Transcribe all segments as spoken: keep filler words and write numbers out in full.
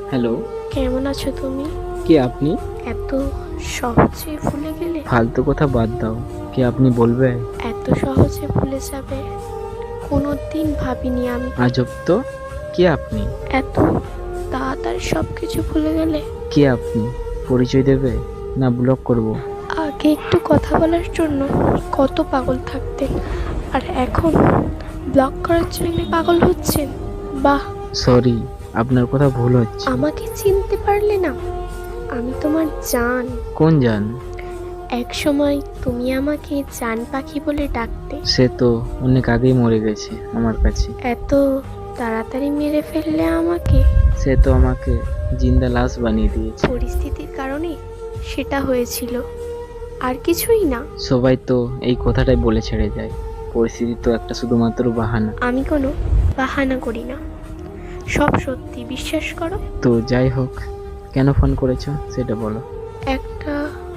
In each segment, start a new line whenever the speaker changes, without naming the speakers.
Hello.
কেমন আছো তুমি?
কে আপনি?
এত সহজে ভুলে গেলে?
ফালতু কথা বাদ দাও। কে আপনি বলবে?
এত সহজে ভুলে যাবে কোনোদিন ভাবিনি আমি।
আজব তো। কে আপনি?
এত তাড়াতাড়ি সব কিছু ভুলে গেলে?
কে আপনি? পরিচয় দেবে না ব্লক করব?
আগে একটু কথা বলার জন্য কত পাগল থাকতেন, আর এখন ব্লক করার জন্য পাগল হচ্ছেন? বাহ।
সরি, আপনার কথা ভুল হচ্ছে।
আমাকে চিনতে পারলে না? আমি তোমার জান।
কোন জান?
এক সময় তুমি আমাকে জান পাখি বলে ডাকতে।
সে তো অনেক আগেই মরে গেছে আমার কাছে।
এত তাড়াতাড়ি মেরে ফেললে আমাকে?
সে তো আমাকে জিন্দা লাশ বানিয়ে দিয়েছে।
পরিস্থিতির কারণে সেটা হয়েছিল, আর কিছুই না।
সবাই তো এই কথাটাই বলে ছেড়ে যায়, পরিস্থিতি তো একটা শুধুমাত্র বাহানা।
আমি কোনো বাহানা করি না, সব সত্যি, বিশ্বাস করো।
তো যাই হোক, কেন ফোন করেছো সেটা বলো।
একটা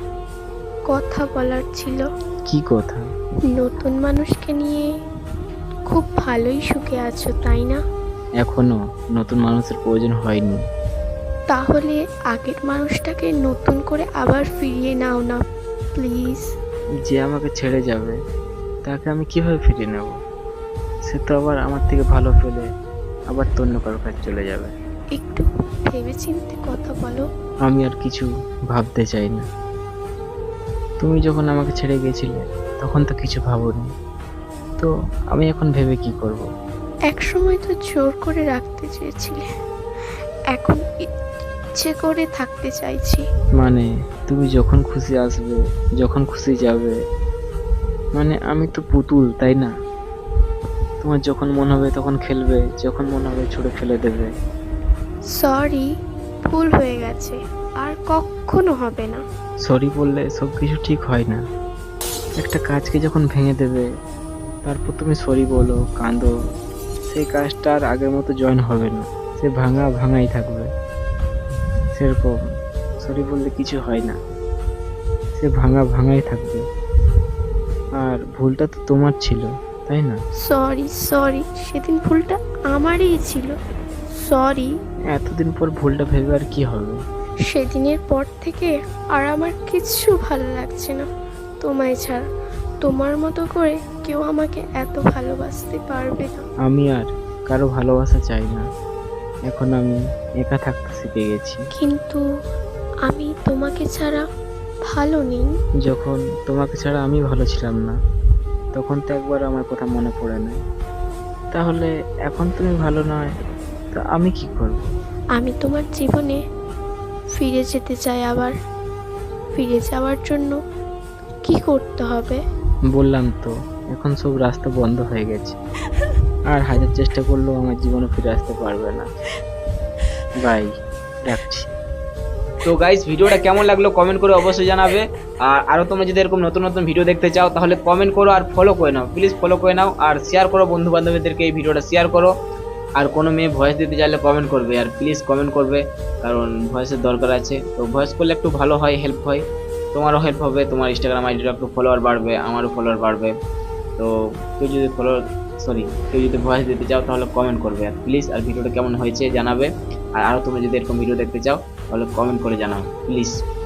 কথা বলার ছিল।
কি কথা?
নতুন মানুষকে নিয়ে খুব ভালোই সুখে আছো, তাই না?
এখনো নতুন মানুষের প্রয়োজন হয়নি।
তাহলে আগের মানুষটাকে নতুন করে আবার ফিরিয়ে নাও না প্লিজ।
যে আমাকে ছেড়ে যাবে তাকে আমি কিভাবে ফিরিয়ে নেব? সে তো আবার আমার থেকে ভালো পেলে আবার তো অন্য কারোর কাছে চলে যাবে।
একটু ভেবেচিন্তে কথা বলো।
আমি আর কিছু ভাবতে চাই না। তুমি যখন আমাকে ছেড়ে গিয়েছিলে তখন তো কিছু ভাবোনি, তো আমি এখন ভেবে কি করব?
এক সময় তো জোর করে রাখতে চেয়েছিলে, এখন ইচ্ছে করে থাকতে চাইছি।
মানে তুমি যখন খুশি আসবে, যখন খুশি যাবে, মানে আমি তো পুতুল, তাই না? তোমার যখন মন হবে তখন খেলবে, যখন মন হবে ছুঁড়ে ফেলে দেবে।
সরি, ভুল হয়ে গেছে, আর কখনো হবে না।
সরি বললে সব কিছু ঠিক হয় না। একটা কাজকে যখন ভেঙে দেবে তারপর তুমি সরি বলো, কাঁদো, সেই কাজটা আর আগের মতো জয়েন হবে না, সে ভাঙা ভাঙাই থাকবে। সেরকম সরি বললে কিছু হয় না, সে ভাঙা ভাঙাই থাকবে। আর ভুলটা তো তোমার ছিল, তাই না?
সরি সরি, সেদিন ভুলটা আমারই ছিল। সরি।
এতদিন পর ভুলটা ভেবে আর কি হবে?
সেদিনের পর থেকে আর আমার কিচ্ছু ভালো লাগছে না তোমায় ছাড়া। তোমার মতো করে কেউ আমাকে এত ভালোবাসতে পারবে না।
আমি আর কারো ভালোবাসা চাই না, এখন আমি একা থাকতে শিখে গেছি।
কিন্তু আমি তোমাকে ছাড়া ভালো নেই।
যখন তোমাকে ছাড়া আমি ভালো ছিলাম না তখন তো একবার আমার কথা মনে পড়ে না। তাহলে এখন তুমি ভালো নয়, তা আমি কি করব?
আমি তোমার জীবনে ফিরে যেতে চাই। আবার ফিরে যাওয়ার জন্য কি করতে হবে?
বললাম তো, এখন সব রাস্তা বন্ধ হয়ে গেছে, আর হাজার চেষ্টা করলেও আমার জীবনে ফিরে আসতে পারবে না। বাই, রাখছি।
তো গাইস, ভিডিওটা কেমন লাগলো কমেন্ট করে অবশ্যই জানাবে। আর আরও তোমরা যদি এরকম নতুন নতুন ভিডিও দেখতে চাও তাহলে কমেন্ট করো আর ফলো করে নাও, প্লিজ ফলো করে নাও, আর শেয়ার করো বন্ধু বান্ধবীদেরকে, এই ভিডিওটা শেয়ার করো। আর কোনো মেয়ে ভয়েস দিতে চাইলে কমেন্ট করবে, আর প্লিজ কমেন্ট করবে, কারণ ভয়েসের দরকার আছে। তো ভয়েস করলে একটু ভালো হয়, হেল্প হয়, তোমারও হেল্প হবে, তোমার ইনস্টাগ্রাম আইডিটা একটু ফলোয়ার বাড়বে, আমারও ফলোয়ার বাড়বে। তো কেউ যদি ফলো সরি কেউ যদি ভয়েস দিতে চাও তাহলে কমেন্ট করবে, আর প্লিজ আর ভিডিওটা কেমন হয়েছে জানাবে। আর আরও তোমরা যদি এরকম ভিডিও দেখতে চাও তাহলে কমেন্ট করে জানাও প্লিজ।